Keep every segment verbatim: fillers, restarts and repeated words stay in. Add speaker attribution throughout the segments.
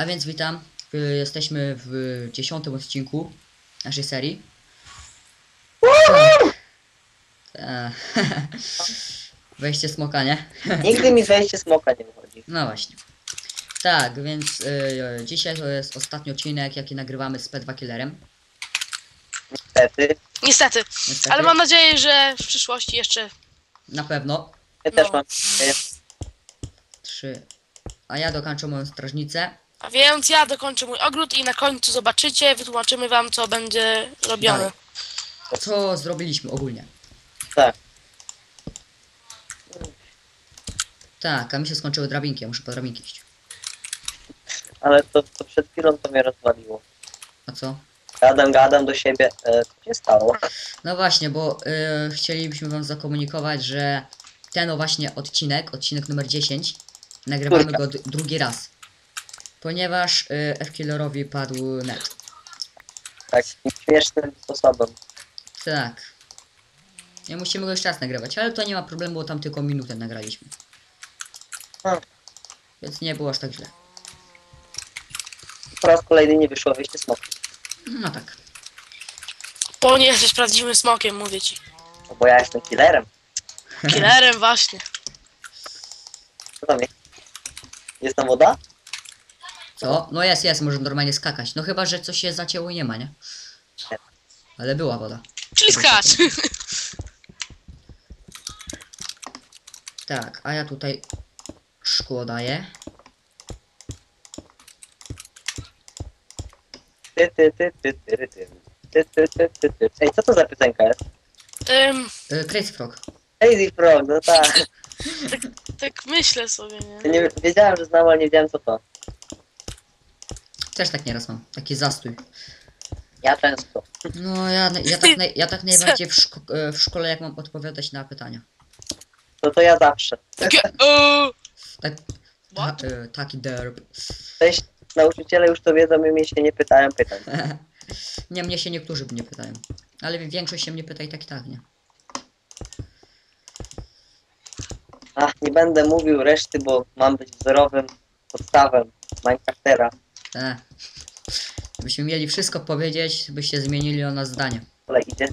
Speaker 1: A więc witam, y, jesteśmy w dziesiątym odcinku naszej serii. Tak. E, Wejście smoka, nie?
Speaker 2: Nigdy mi wejście smoka nie wychodzi.
Speaker 1: No właśnie. Tak, więc y, dzisiaj to jest ostatni odcinek, jaki nagrywamy z P dwa Killerem.
Speaker 2: Niestety.
Speaker 3: Niestety.
Speaker 1: Niestety.
Speaker 3: Ale mam nadzieję, że w przyszłości jeszcze...
Speaker 1: Na pewno.
Speaker 2: Ja
Speaker 3: No.
Speaker 2: też mam.
Speaker 1: Trzy. A ja dokończę moją strażnicę.
Speaker 3: A więc ja dokończę mój ogród i na końcu zobaczycie, wytłumaczymy wam, co będzie robione.
Speaker 1: Dalej. Co zrobiliśmy ogólnie?
Speaker 2: Tak.
Speaker 1: Tak, a mi się skończyły drabinki, ja muszę po drabinki iść.
Speaker 2: Ale to, to przed chwilą to mnie rozwaliło.
Speaker 1: A co?
Speaker 2: Gadam, gadam do siebie. E, co się stało?
Speaker 1: No właśnie, bo y, chcielibyśmy wam zakomunikować, że ten o właśnie odcinek, odcinek numer dziesięć, nagrywamy
Speaker 2: Trójka.
Speaker 1: go d- drugi raz. Ponieważ y, F-Killerowi padł net.
Speaker 2: Takim śmiesznym sposobem.
Speaker 1: Tak. Nie musimy go jeszcze raz nagrywać, ale to nie ma problemu, bo tam tylko minutę nagraliśmy.
Speaker 2: Hmm.
Speaker 1: Więc nie było aż tak źle.
Speaker 2: Po raz kolejny nie wyszło wejście smoka.
Speaker 1: No tak.
Speaker 3: Bo nie jesteś prawdziwym smokiem, mówię ci.
Speaker 2: No bo ja jestem killerem.
Speaker 3: Killerem właśnie.
Speaker 2: Co tam jest? Jest tam woda?
Speaker 1: Co? No jest, jest, może normalnie skakać. No chyba, że coś się zacięło i nie ma, nie? Ale była woda.
Speaker 3: Czyli skacz.
Speaker 1: Tak, a ja tutaj szkło daję.
Speaker 2: Ty, ty, ty, ty, ty, ty, ty. Ty, ty, ty, ty, ty. Ej, co to za piosenka jest?
Speaker 3: Ym,
Speaker 1: Y, Crazy Frog.
Speaker 2: Lazy Frog, no tak.
Speaker 3: tak myślę sobie,
Speaker 2: Ja
Speaker 3: nie?
Speaker 2: nie wiedziałem, że znam, ale nie wiedziałem co to.
Speaker 1: Też tak nieraz mam. Taki zastój.
Speaker 2: Ja często.
Speaker 1: No ja, ja, tak, naj, ja tak najbardziej w, szko e, w szkole, jak mam odpowiadać na pytania.
Speaker 2: To to ja zawsze.
Speaker 3: Takie... O,
Speaker 1: Tak, ta,
Speaker 3: What?
Speaker 1: e, taki derb.
Speaker 2: Cześć, nauczyciele już to wiedzą i mnie się nie pytają pytań.
Speaker 1: Nie, mnie się niektórzy nie pytają. Ale większość się mnie pyta i tak i tak, nie?
Speaker 2: Ach, nie będę mówił reszty, bo mam być wzorowym podstawem Minecraftera.
Speaker 1: E. Gdybyśmy mieli wszystko powiedzieć, byście zmienili o nas zdanie.
Speaker 2: Ale idzie.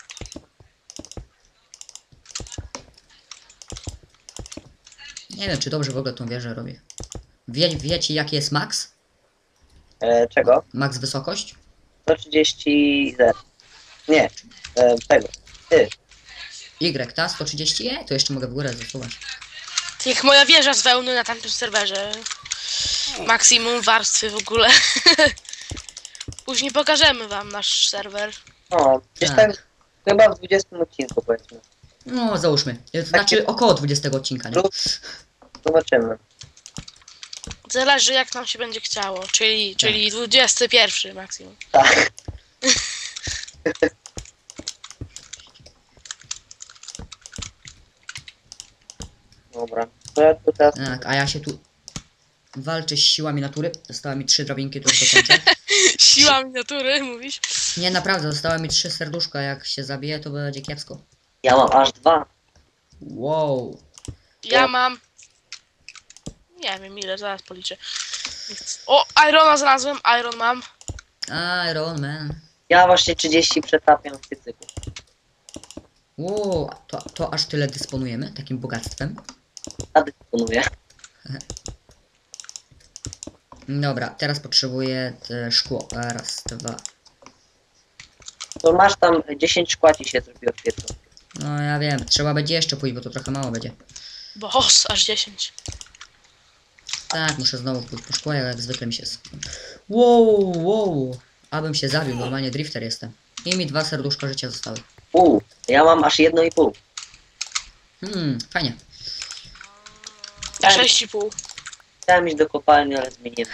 Speaker 1: Nie wiem, czy dobrze w ogóle tą wieżę robię. Wie, wiecie, jaki jest max?
Speaker 2: E, czego?
Speaker 1: Max wysokość?
Speaker 2: sto trzydzieści Z. Nie, e, tego. Ty.
Speaker 1: Y, ta? sto trzydzieści? E, to jeszcze mogę w górę zasuwać.
Speaker 3: jak moja wieża z wełny na tamtym serwerze. Maksimum warstwy w ogóle. Później pokażemy wam nasz serwer.
Speaker 2: O, gdzieś
Speaker 1: Tak.
Speaker 2: tak chyba w dwudziestym odcinku powiedzmy.
Speaker 1: No, załóżmy. E, to znaczy około dwudziestego odcinka, nie?
Speaker 2: Lub zobaczymy.
Speaker 3: Zależy jak nam się będzie chciało. Czyli, czyli dwudziesty pierwszy maksimum.
Speaker 2: Tak. Dobra. To ja tu teraz...
Speaker 1: Tak, a ja się tu walczę z siłami natury. Zostały mi trzy drabinki, to już dokończę.
Speaker 3: Siła miniatury, mówisz?
Speaker 1: Nie, naprawdę, zostały mi trzy serduszka. Jak się zabije, to będzie kiepsko.
Speaker 2: Ja mam aż dwa.
Speaker 1: Wow.
Speaker 3: Ja mam... Nie wiem ile, zaraz policzę. O, Irona znalazłem, Iron mam.
Speaker 1: Iron Man.
Speaker 2: Ja właśnie trzydzieści przetapiam w piecyku.
Speaker 1: Wow, to, to aż tyle dysponujemy takim bogactwem.
Speaker 2: Ja dysponuję.
Speaker 1: Dobra, teraz potrzebuję te szkło. Raz, dwa.
Speaker 2: To masz tam dziesięć szkła ci się zrobiło w piecu.
Speaker 1: No ja wiem, trzeba będzie jeszcze pójść, bo to trochę mało będzie.
Speaker 3: Boss, aż dziesięć.
Speaker 1: Tak, muszę znowu pójść po szkło, jak zwykle mi się... s- Wow, wow. Abym się zabił, normalnie drifter jestem. I mi dwa serduszka życia zostały.
Speaker 2: Pół. Ja mam aż jedno i pół.
Speaker 1: Hmm, fajnie.
Speaker 3: Na sześć i pół.
Speaker 2: Chciałem iść do kopalni, ale zmieniłem.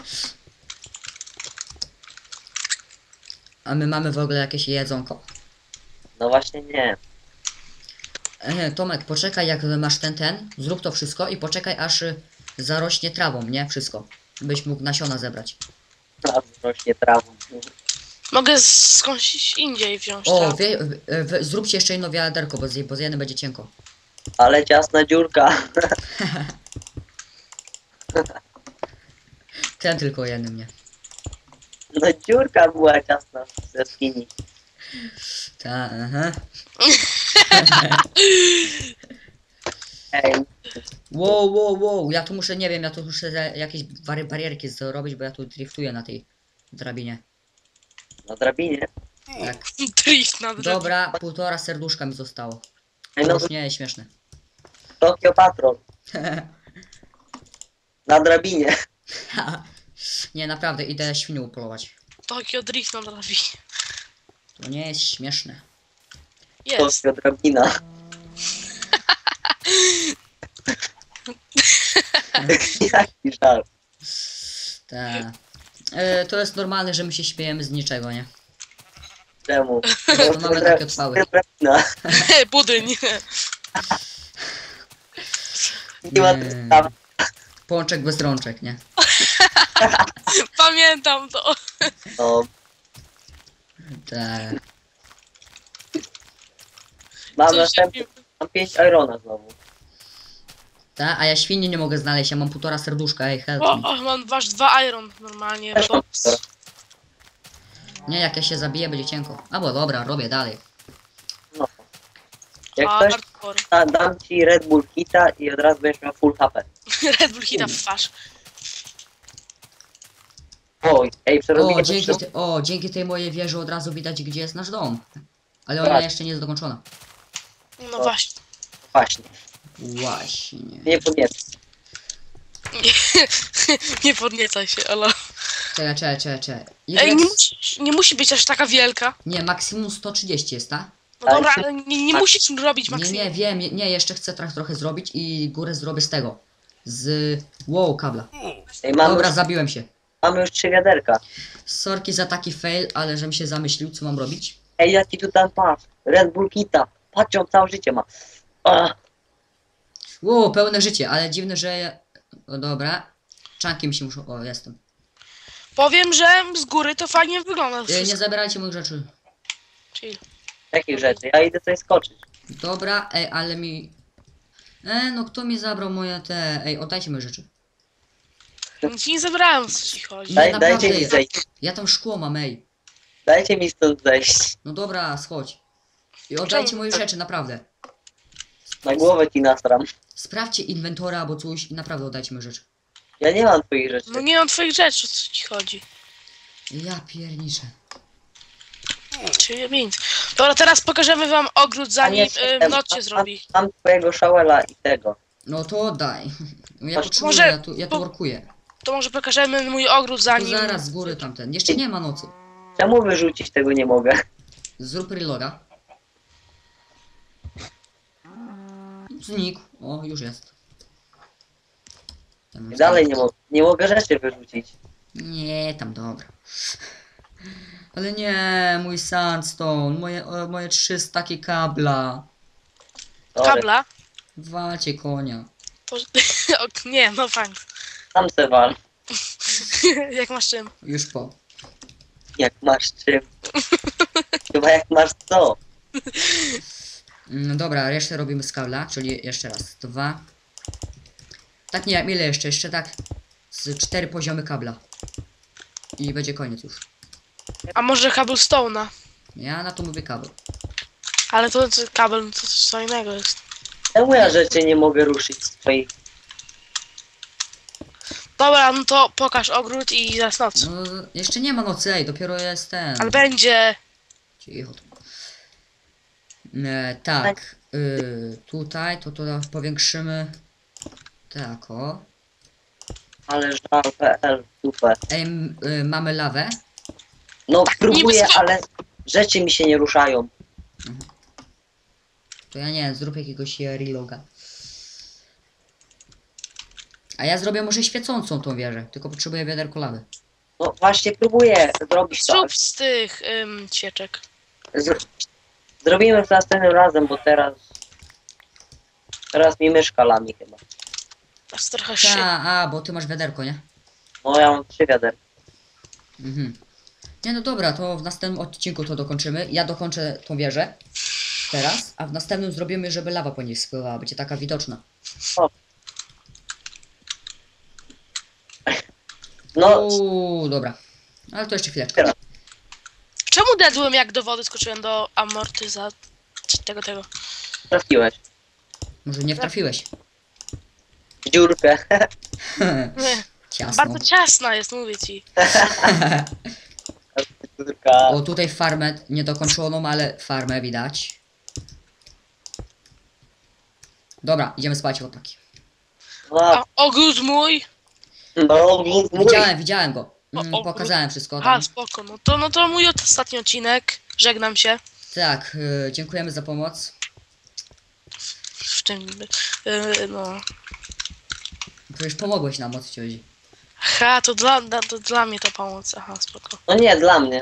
Speaker 1: A my mamy w ogóle jakieś jedzonko?
Speaker 2: No właśnie nie.
Speaker 1: E, Tomek, poczekaj jak masz ten, ten, zrób to wszystko i poczekaj aż y, zarośnie trawą, nie? Wszystko. Byś mógł nasiona zebrać.
Speaker 2: Teraz rośnie trawą.
Speaker 3: Mogę skądś indziej wziąć
Speaker 1: O,
Speaker 3: trawę.
Speaker 1: wie, w, w, zróbcie jeszcze jedno wiaderko, bo z, bo z jednym będzie cienko.
Speaker 2: Ale ciasna dziurka.
Speaker 1: Ten tylko jednym, nie.
Speaker 2: No dziurka była ciasna z jaskini.
Speaker 1: Ta, aha.
Speaker 2: Ej,
Speaker 1: Wow, wow, wow, ja tu muszę, nie wiem, ja tu muszę za- jakieś bary, barierki zrobić, bo ja tu driftuję na tej drabinie.
Speaker 2: na drabinie.
Speaker 1: Tak.
Speaker 3: Drift na drzewie.
Speaker 1: Dobra, półtora serduszka mi zostało.
Speaker 2: Ej,
Speaker 1: To
Speaker 2: no
Speaker 1: już nie jest śmieszne.
Speaker 2: Tokio Patrol. Na drabinie.
Speaker 1: Nie, naprawdę, idę świnię upolować.
Speaker 3: Tokio Drift na drabinie.
Speaker 1: To nie jest śmieszne.
Speaker 3: Jest.
Speaker 2: Tokio drabina. Jaki żart.
Speaker 1: Ta. E, to jest normalne, że my się śmiejemy z niczego, nie?
Speaker 2: Czemu?
Speaker 1: To mamy takie odpały.
Speaker 2: Drabina.
Speaker 3: Budyń.
Speaker 2: Nie ma
Speaker 1: Nie.
Speaker 2: podstawy.
Speaker 1: Pączek bez rączek, nie?
Speaker 3: Pamiętam to.
Speaker 2: No,
Speaker 1: Tak.
Speaker 2: mam
Speaker 3: Cóż,
Speaker 2: następny. Mam pięć irona znowu.
Speaker 1: Ta, a ja świnie nie mogę znaleźć, ja mam półtora serduszka, ej, help
Speaker 3: O,
Speaker 1: me.
Speaker 3: o, mam wasz dwa iron normalnie.
Speaker 2: Też mam półtora.
Speaker 1: Nie, jak ja się zabiję, będzie cienko. A bo dobra, robię dalej.
Speaker 2: No. Jak
Speaker 3: A,
Speaker 2: coś,
Speaker 3: hardcore.
Speaker 2: da, dam ci Red Bull Kita i od razu będziesz miał full H P.
Speaker 3: Red Bull hita w twarz.
Speaker 2: Oj, ej,
Speaker 1: O,
Speaker 2: przerobię
Speaker 1: dzięki,
Speaker 2: wszystko.
Speaker 1: te, o, dzięki tej mojej wieży od razu widać, gdzie jest nasz dom. Ale ona
Speaker 2: Tak.
Speaker 1: jeszcze nie jest dokończona.
Speaker 3: No właśnie.
Speaker 2: Właśnie,
Speaker 1: Właśnie.
Speaker 2: nie podniecę.
Speaker 3: Nie podniecaj się, ale...
Speaker 1: Czekaj, czekaj, czekaj, czekaj. Ile
Speaker 3: Ej, nie
Speaker 1: jest-
Speaker 3: musi, nie musi być aż taka wielka.
Speaker 1: Nie, maksimum sto trzydzieści jest, ta?
Speaker 3: No dobra, ale nie, nie musisz robić
Speaker 1: Nie,
Speaker 3: maksimum.
Speaker 1: nie, wiem, nie, nie, jeszcze chcę trochę, trochę zrobić i górę zrobię z tego. Z... Wow, kabla.
Speaker 2: Ej, mamy,
Speaker 1: Dobra,
Speaker 2: już,
Speaker 1: zabiłem się.
Speaker 2: mamy już trzy wiaderka.
Speaker 1: Sorki za taki fail, ale żem się zamyślił, co mam robić.
Speaker 2: Ej, ja ci tu dam patrz. Red Bull Kita. Patrz, on całe życie ma. Ach,
Speaker 1: Wow, pełne życie, ale dziwne, że... O, dobra. Czanki mi się muszą... O, jestem.
Speaker 3: Powiem, że z góry to fajnie wygląda
Speaker 1: E, nie
Speaker 3: wszystko.
Speaker 1: zabierajcie moich rzeczy.
Speaker 3: Chill.
Speaker 2: jakich rzeczy? Ja idę coś skoczyć.
Speaker 1: Dobra, ej, ale mi... E, no kto mi zabrał moje te... Ej, oddajcie moje rzeczy.
Speaker 3: Nic nie zabrałem, o co ci chodzi.
Speaker 2: Daj,
Speaker 1: naprawdę
Speaker 2: dajcie mi
Speaker 1: jest.
Speaker 2: zejść.
Speaker 1: Ja tam szkło mam, ej.
Speaker 2: Dajcie mi stąd zejść.
Speaker 1: No dobra, schodź. I oddajcie
Speaker 3: Czemu?
Speaker 1: moje rzeczy, naprawdę.
Speaker 2: Na głowę ci nastram.
Speaker 1: Sprawdźcie inwentora albo coś i naprawdę oddajcie moje rzeczy.
Speaker 2: Ja nie mam twoich rzeczy.
Speaker 3: No nie mam twoich rzeczy, o co ci chodzi.
Speaker 1: Ja pierniczę.
Speaker 3: Czyli nic. Dobra, teraz pokażemy wam ogród, zanim
Speaker 2: nie,
Speaker 3: y, noc się
Speaker 2: mam-
Speaker 3: zrobi.
Speaker 2: Mam twojego szałela i tego.
Speaker 1: No to oddaj. Ja
Speaker 2: Masz-
Speaker 1: potrzebuję,
Speaker 3: Może
Speaker 1: ja tu, ja tu
Speaker 3: po-
Speaker 1: workuję.
Speaker 3: To może pokażemy mój ogród,
Speaker 1: To
Speaker 3: zanim...
Speaker 1: zaraz z góry tamten. Jeszcze nie ma nocy.
Speaker 2: Czemu wyrzucić tego nie mogę?
Speaker 1: Zrób reloada. Znikł. O, już jest. Tam
Speaker 2: I dalej nie mogę. Nie mogę rzeczy wyrzucić.
Speaker 1: Nie, tam dobra. Ale nie, mój sandstone, moje, o, moje trzy staki kabla.
Speaker 2: Sorry.
Speaker 3: Kabla.
Speaker 1: Walcie konia.
Speaker 3: Po... o, nie, no fajnie.
Speaker 2: Sam se wal.
Speaker 3: Jak masz czym?
Speaker 1: Już po.
Speaker 2: Jak masz czym. Chyba jak masz co.
Speaker 1: No dobra, resztę robimy z kabla, czyli jeszcze raz. Dwa. Tak nie, ile jeszcze? Jeszcze tak. Z cztery poziomy kabla. I będzie koniec już.
Speaker 3: A może cobblestone'a?
Speaker 1: Ja na to mówię kabel.
Speaker 3: Ale to, to kabel to coś co innego jest.
Speaker 2: Czemu ja rzeczy nie mogę ruszyć z twoich...
Speaker 3: Dobra, no to pokaż ogród i zaraz noc.
Speaker 1: No, jeszcze nie ma nocy, ej, dopiero jest ten.
Speaker 3: Ale będzie...
Speaker 1: Cicho. E, tak. Y, tutaj to to powiększymy. Tak o.
Speaker 2: Ale żal kropka pe el super.
Speaker 1: Ej, m, y, mamy lawę.
Speaker 2: No
Speaker 3: Tak,
Speaker 2: próbuję,
Speaker 3: niby-
Speaker 2: ale rzeczy mi się nie ruszają.
Speaker 1: To ja nie wiem, zrób jakiegoś e, reloga. A ja zrobię może świecącą tą wieżę, tylko potrzebuję wiaderko lawy.
Speaker 2: No właśnie próbuję zrobić to.
Speaker 3: Zrób z tych ym, cieczek.
Speaker 2: Z... Zrobimy to następnym razem, bo teraz... Teraz mi myszka lami chyba.
Speaker 3: Aż trochę
Speaker 1: Ta,
Speaker 3: się.
Speaker 1: a, bo ty masz wiaderko, nie?
Speaker 2: No ja mam trzy wiaderka.
Speaker 1: Mhm. Nie no dobra, to w następnym odcinku to dokończymy. Ja dokończę tą wieżę. Teraz, a w następnym zrobimy, żeby lawa po niej spływała, będzie taka widoczna.
Speaker 2: No No,
Speaker 1: Uuu, dobra. Ale to jeszcze chwileczkę.
Speaker 3: Czemu dedłem jak do wody skoczyłem do amortyzacji tego tego?
Speaker 2: trafiłeś.
Speaker 1: Może nie wtrafiłeś.
Speaker 2: W dziurkę.
Speaker 3: Nie,
Speaker 1: Ciasno.
Speaker 3: bardzo ciasna jest, mówię ci.
Speaker 2: Dziurka.
Speaker 1: O, tutaj farmę niedokończoną, ale farmę widać. Dobra, idziemy spać, chłopaki.
Speaker 2: No,
Speaker 3: A ogród mój?
Speaker 2: no, mój.
Speaker 1: Widziałem, widziałem go. Mm,
Speaker 3: O, o,
Speaker 1: pokazałem wszystko
Speaker 3: A,
Speaker 1: tam.
Speaker 3: spoko, no to, no to mój ostatni odcinek. Żegnam się.
Speaker 1: Tak, y, dziękujemy za pomoc.
Speaker 3: W czym niby? Yy, no.
Speaker 1: Przecież pomogłeś nam, o co ci chodzi.
Speaker 3: Ha, to dla, da- to dla mnie to pomoc. Aha, spoko.
Speaker 2: No nie, dla mnie.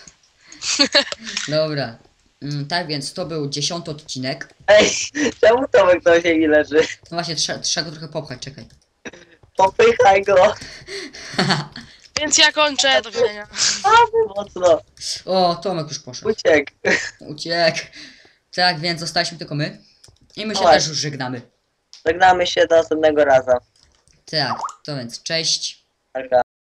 Speaker 1: Dobra. Mm, tak więc to był dziesiąty odcinek.
Speaker 2: Ej, czemu Tomek na ziemi leży?
Speaker 1: No właśnie, trzeba, trzeba go trochę popchać, czekaj.
Speaker 2: Popychaj go.
Speaker 3: Więc ja kończę, do widzenia.
Speaker 2: A, mocno.
Speaker 1: O, Tomek już poszedł.
Speaker 2: Uciekł.
Speaker 1: Uciekł. Tak więc zostaliśmy tylko my. I my się
Speaker 2: No
Speaker 1: też już żegnamy.
Speaker 2: Żegnamy się do następnego razu.
Speaker 1: Tak, to więc cześć.
Speaker 2: Taka.